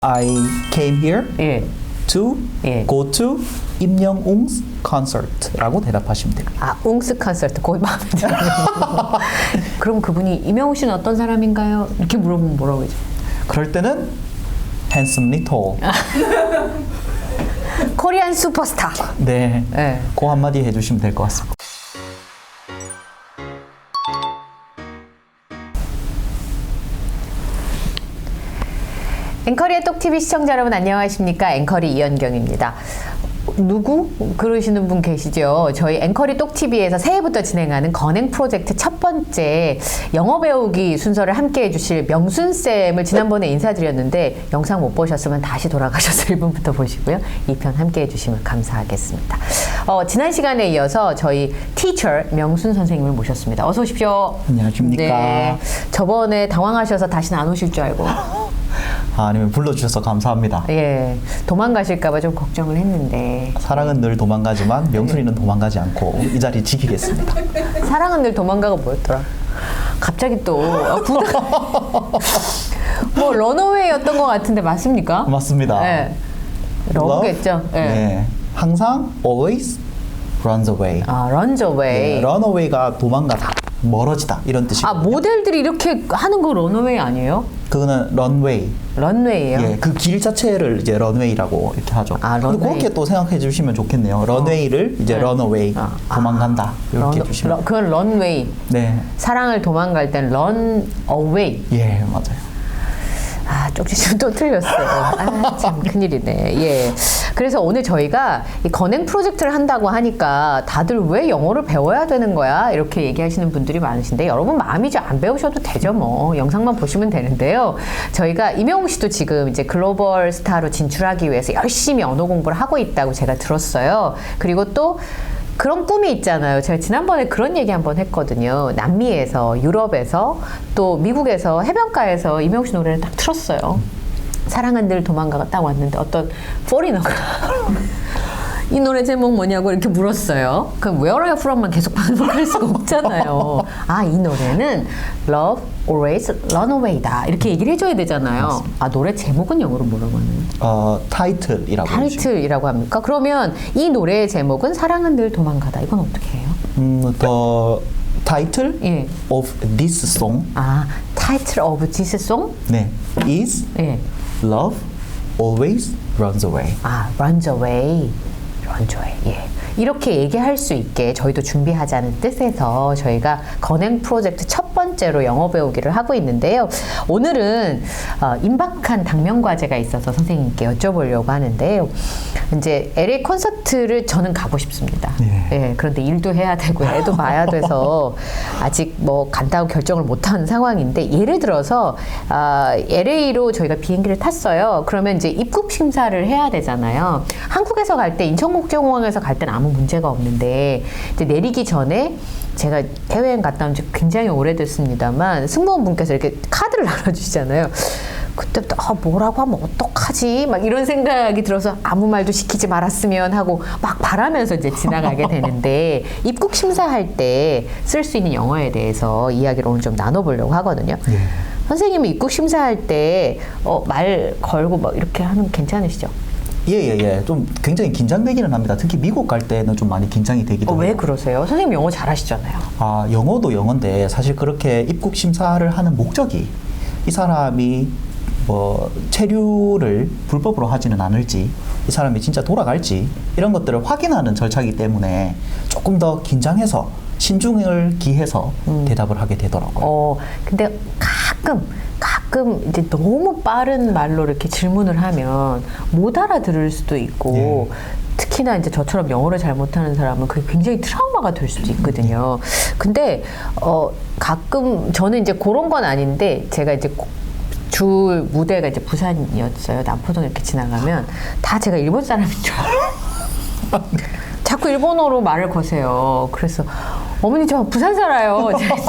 I came here 예. to 예. go to 임영웅's concert라고 대답하시면 됩니다. 아, 웅스 콘서트 거의 마음에 들어요. 그럼 그분이 임영웅 씨는 어떤 사람인가요? 이렇게 물어보면 뭐라고 하죠? 그럴 때는 handsomely tall. 코리안 슈퍼스타. 네, 네. 그 한마디 해주시면 될 것 같습니다. 앵커리의 똑TV 시청자 여러분 안녕하십니까? 앵커리 이현경입니다. 누구? 그러시는 분 계시죠? 저희 앵커리 똑TV에서 새해부터 진행하는 건행 프로젝트 첫 번째 영어 배우기 순서를 함께 해주실 명순쌤을 지난번에 인사드렸는데 영상 못 보셨으면 다시 돌아가셔서 1분부터 보시고요. 2편 함께 해주시면 감사하겠습니다. 지난 시간에 이어서 저희 티처 명순 선생님을 모셨습니다. 어서 오십시오. 안녕하십니까. 네, 저번에 당황하셔서 다시는 안 오실 줄 알고 아니면 불러주셔서 감사합니다. 예, 도망가실까봐 좀 걱정을 했는데 사랑은 늘 도망가지만 명순이는 도망가지 않고 이 자리 지키겠습니다. 사랑은 늘 도망가가 뭐였더라? 갑자기 또 뭐 런어웨이였던 것 같은데 맞습니까? 맞습니다. 네, 러브겠죠. 네. 네, 항상 always runs away. 아, runs away. 네, run away가 도망가다, 멀어지다 이런 뜻이고. 아, 모델들이 이렇게 하는 거 런어웨이 아니에요? 그거는 runway. 런웨이요? 예, 그 길 자체를 이제 런웨이라고 이렇게 하죠. 아, 근데 런웨이. 그렇게 또 생각해 주시면 좋겠네요. 런웨이를 이제 네. 런어웨이, 도망간다 이렇게 해주시면. 그건 런웨이. 네, 사랑을 도망갈 땐 run away. 예, 맞아요. 아, 쪽지좀 또 틀렸어요. 아, 참 큰일이네. 예. 그래서 오늘 저희가 이 건행 프로젝트를 한다고 하니까 다들 왜 영어를 배워야 되는 거야? 이렇게 얘기하시는 분들이 많으신데 여러분 마음이죠. 안 배우셔도 되죠. 뭐 영상만 보시면 되는데요. 저희가 임영웅 씨도 지금 이제 글로벌 스타로 진출하기 위해서 열심히 언어 공부를 하고 있다고 제가 들었어요. 그리고 또 그런 꿈이 있잖아요. 제가 지난번에 그런 얘기 한번 했거든요. 남미에서, 유럽에서, 또 미국에서, 해변가에서 임영웅 씨 노래를 딱 틀었어요. 사랑은 늘 도망가가 딱 왔는데 어떤 포리너가 이 노래 제목 뭐냐고 이렇게 물었어요. 그럼 Where are you from만 계속 반복할 수가 없잖아요. 아, 이 노래는 Love Always Run Away다 이렇게 얘기를 해줘야 되잖아요. 맞습니다. 아, 노래 제목은 영어로 뭐라고 하나요? 타이틀이라고 해주시면. 타이틀이라고 합니까? 그러면 이 노래의 제목은 사랑은 늘 도망가다. 이건 어떻게 해요? The title 예. of this song, 아, Title of this song? 네, is 예. Love Always Runs Away. 아, runs away. runs away. 예. 이렇게 얘기할 수 있게 저희도 준비하자는 뜻에서 저희가 건행 프로젝트 첫 번째로 영어 배우기를 하고 있는데요. 오늘은 임박한 당면 과제가 있어서 선생님께 여쭤보려고 하는데요. 이제 LA 콘서트를 저는 가고 싶습니다. 예. 예, 그런데 일도 해야 되고 애도 봐야 돼서 아직 뭐 간다고 결정을 못한 상황인데 예를 들어서 LA로 저희가 비행기를 탔어요. 그러면 이제 입국 심사를 해야 되잖아요. 한국에서 갈 때 인천국제공항에서 갈 때는 아무 문제가 없는데 이제 내리기 전에 제가 해외여행 갔다 온 지 굉장히 오래됐습니다만 승무원분께서 이렇게 카드를 나눠주시잖아요. 그때부터 뭐라고 하면 어떡하지? 막 이런 생각이 들어서 아무 말도 시키지 말았으면 하고 막 바라면서 이제 지나가게 되는데 입국 심사할 때 쓸 수 있는 영어에 대해서 이야기를 오늘 좀 나눠보려고 하거든요. 예. 선생님이 입국 심사할 때 말 걸고 막 이렇게 하는 거 괜찮으시죠? 예. 좀 굉장히 긴장되기는 합니다. 특히 미국 갈 때는 좀 많이 긴장이 되기도 왜 해요. 그러세요? 선생님 영어 잘하시잖아요. 아, 영어도 영어인데 사실 그렇게 입국 심사를 하는 목적이 이 사람이 뭐 체류를 불법으로 하지는 않을지, 이 사람이 진짜 돌아갈지 이런 것들을 확인하는 절차이기 때문에 조금 더 긴장해서 신중을 기해서 대답을 하게 되더라고요. 근데 가끔 이제 너무 빠른 말로 이렇게 질문을 하면 못 알아들을 수도 있고 특히나 이제 저처럼 영어를 잘 못하는 사람은 그게 굉장히 트라우마가 될 수도 있거든요. 근데 가끔 저는 이제 그런 건 아닌데 제가 이제 주 무대가 이제 부산이었어요. 남포동 이렇게 지나가면 다 제가 일본 사람인 줄 알아요. 자꾸 일본어로 말을 거세요. 그래서 어머니 저 부산 살아요.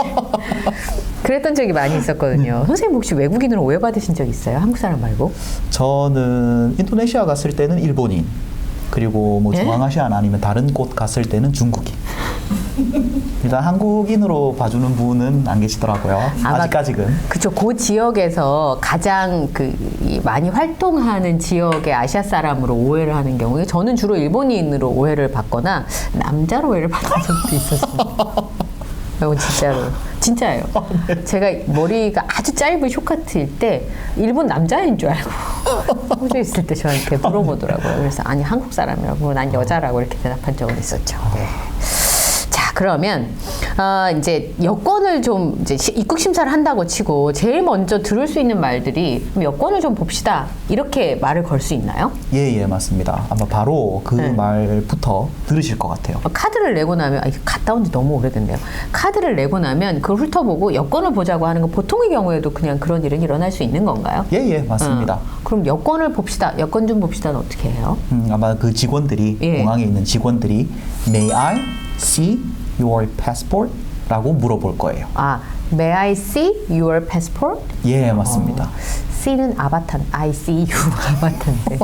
그랬던 적이 많이 있었거든요. 선생님 혹시 외국인으로 오해받으신 적 있어요? 한국 사람 말고? 저는 인도네시아 갔을 때는 일본인, 그리고 뭐 예? 중앙아시아나 아니면 다른 곳 갔을 때는 중국인. 일단 한국인으로 봐주는 분은 안 계시더라고요. 아직까지는. 그쵸. 그 지역에서 가장 많이 활동하는 지역의 아시아 사람으로 오해를 하는 경우에 저는 주로 일본인으로 오해를 받거나 남자로 오해를 받은 적도 있었습니다. 이건 진짜로. 진짜예요. 제가 머리가 아주 짧은 쇼커트일 때 일본 남자인 줄 알고 호주에 있을 때 저한테 물어보더라고요. 그래서 아니 한국 사람이라고 난 여자라고 이렇게 대답한 적은 있었죠. 네. 자 그러면 이제 여권을 좀 이제 입국 심사를 한다고 치고 제일 먼저 들을 수 있는 말들이 그럼 여권을 좀 봅시다 이렇게 말을 걸 수 있나요? 예, 맞습니다. 아마 바로 그 네. 말부터 들으실 것 같아요. 카드를 내고 나면 갔다 온 지 너무 오래됐네요. 카드를 내고 나면 그걸 훑어보고 여권을 보자고 하는 건 보통의 경우에도 그냥 그런 일은 일어날 수 있는 건가요? 예, 맞습니다. 그럼 여권을 봅시다. 여권 좀 봅시다는 어떻게 해요? 아마 그 직원들이 예. 공항에 있는 직원들이 May I see your passport? 라고 물어볼 거예요. May I see your passport? 예, 맞습니다. C는 아바타, I see you 아바타인데.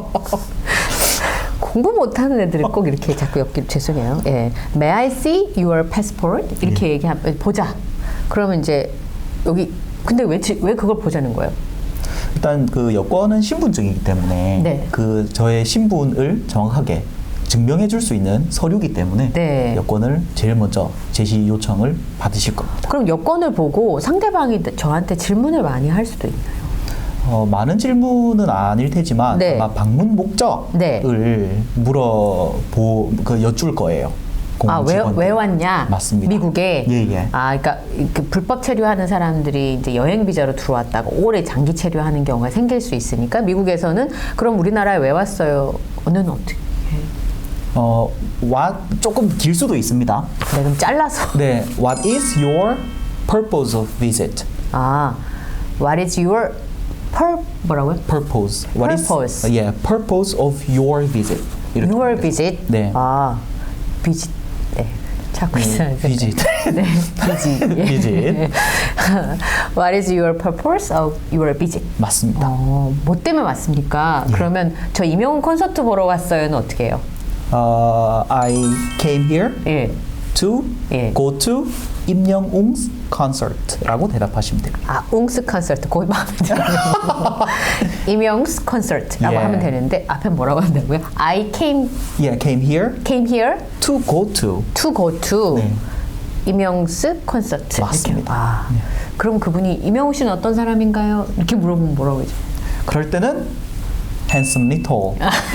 공부 못하는 애들을 꼭 이렇게 자꾸 엮기 죄송해요. 예, May I see your passport? 이렇게 얘기하면 보자. 그러면 이제 여기 근데 왜 그걸 보자는 거예요? 일단 그 여권은 신분증이기 때문에 네. 그 저의 신분을 정확하게 증명해 줄 수 있는 서류이기 때문에 네. 여권을 제일 먼저 제시 요청을 받으실 겁니다. 그럼 여권을 보고 상대방이 저한테 질문을 많이 할 수도 있나요? 많은 질문은 아닐 테지만 네. 아마 방문 목적을 네. 여쭐 거예요. 공항 왜 직원들. 왔냐? 맞습니다. 미국에. 예. 그러니까 그 불법 체류하는 사람들이 이제 여행 비자로 들어왔다가 오래 장기 체류하는 경우가 생길 수 있으니까 미국에서는 그럼 우리나라에 왜 왔어요?는 어떻게? 조금 길 수도 있습니다. 네, 그럼 잘라서. 네, what is your purpose of visit? What is your 뭐라고요? Purpose. Purpose. Purpose of your visit. 이렇게 Your 됩니다. visit. 네. visit. 네. 찾고 있어요. visit. 네, visit. 예. visit. What is your purpose of your visit? 맞습니다. 뭐 때문에 왔습니까? 그러면 저 이명훈 콘서트 보러 왔어요는 어떻게 해요? I came here 예. to 예. go to 임영웅's concert라고 대답하시면 됩니다. 웅스 콘서트 거기 마음에 들어요. 임영웅스 콘서트라고 예. 하면 되는데 앞에 뭐라고 한다고요? I came came here here to go to. to go to 네. 임영웅스 콘서트. 맞습니다. 이렇게. 그럼 그분이 임영웅 씨는 어떤 사람인가요? 이렇게 물어보면 뭐라고 하죠? 그럴 때는 handsomely tall.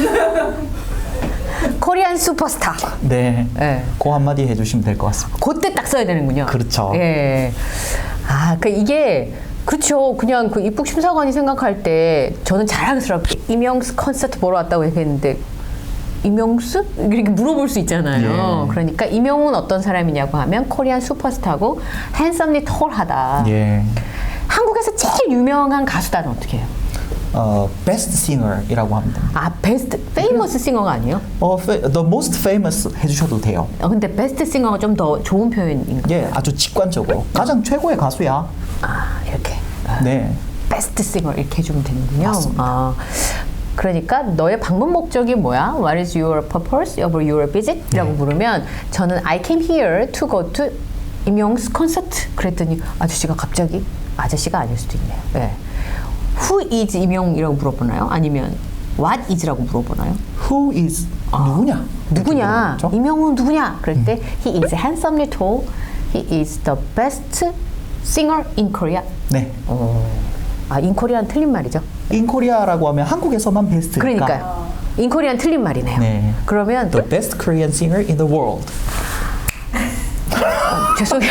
코리안 슈퍼스타. 네. 네. 그 한마디 해주시면 될 것 같습니다. 그때 딱 써야 되는군요. 그렇죠. 예. 이게 그렇죠. 그냥 그 입국 심사관이 생각할 때 저는 자랑스럽게 임영웅 콘서트 보러 왔다고 얘기했는데 임영웅? 이렇게 물어볼 수 있잖아요. 예. 그러니까 임영웅은 어떤 사람이냐고 하면 코리안 슈퍼스타고 핸섬리 톨하다. 예. 한국에서 제일 유명한 가수다는 어떻게 해요? best singer이라고 합니다. 베스트 페이머스 싱어가 아니에요? the most famous 해주셔도 돼요. 근데 베스트 싱어가 좀 더 좋은 표현인가요? 예, 아주 직관적으로 가장 최고의 가수야. 이렇게. 네. 베스트 싱어 이렇게 해주면 되는군요. 맞습니다. 그러니까 너의 방문 목적이 뭐야? What is your purpose of your visit? 라고 물으면 저는 I came here to go to 임영웅 콘서트. 그랬더니 아저씨가 아닐 수도 있네요. 네. Who is 임영웅이라고 물어보나요? 아니면 What is라고 물어보나요? Who is 누구냐? 누구냐? 이렇게 임영웅 누구냐? 그럴 때 He is handsomely tall. He is the best singer in Korea. 네. in Korea는 틀린 말이죠. In Korea라고 하면 한국에서만 베스트니까. 그러니까요. in Korea는 틀린 말이네요. 네. 그러면 The best Korean singer in the world. 죄송해요.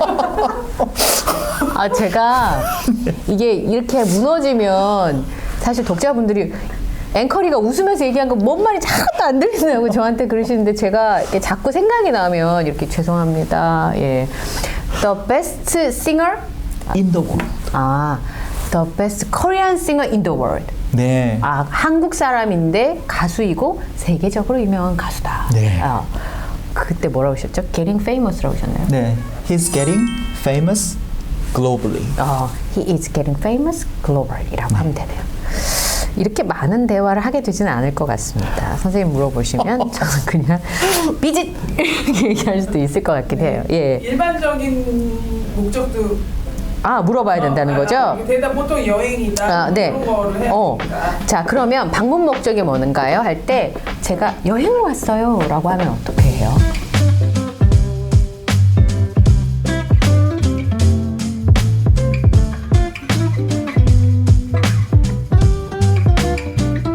제가 이게 이렇게 무너지면 사실 독자분들이 앵커리가 웃으면서 얘기한 거 뭔 말인지 하나도 안 들리냐고 저한테 그러시는데 제가 이렇게 자꾸 생각이 나면 이렇게 죄송합니다. 예. The best singer? In the world. The best Korean singer in the world. 네. 한국 사람인데 가수이고 세계적으로 유명한 가수다. 네. 그때 뭐라고 하셨죠? Getting famous라고 하셨나요? 네. He's getting famous globally. He is getting famous globally라고 하면 되네요. 이렇게 많은 대화를 하게 되지는 않을 것 같습니다. 선생님 물어보시면 저는 그냥 삐짓 이렇게 얘기할 수도 있을 것 같긴 해요. 예. 일반적인 목적도 물어봐야 된다는 거죠? 대답 보통 여행이다 네. 그런 거를 해야 되니까. 자, 그러면 방문 목적이 뭔가요? 할 때 제가 여행 왔어요 라고 하면 어떻게 해요?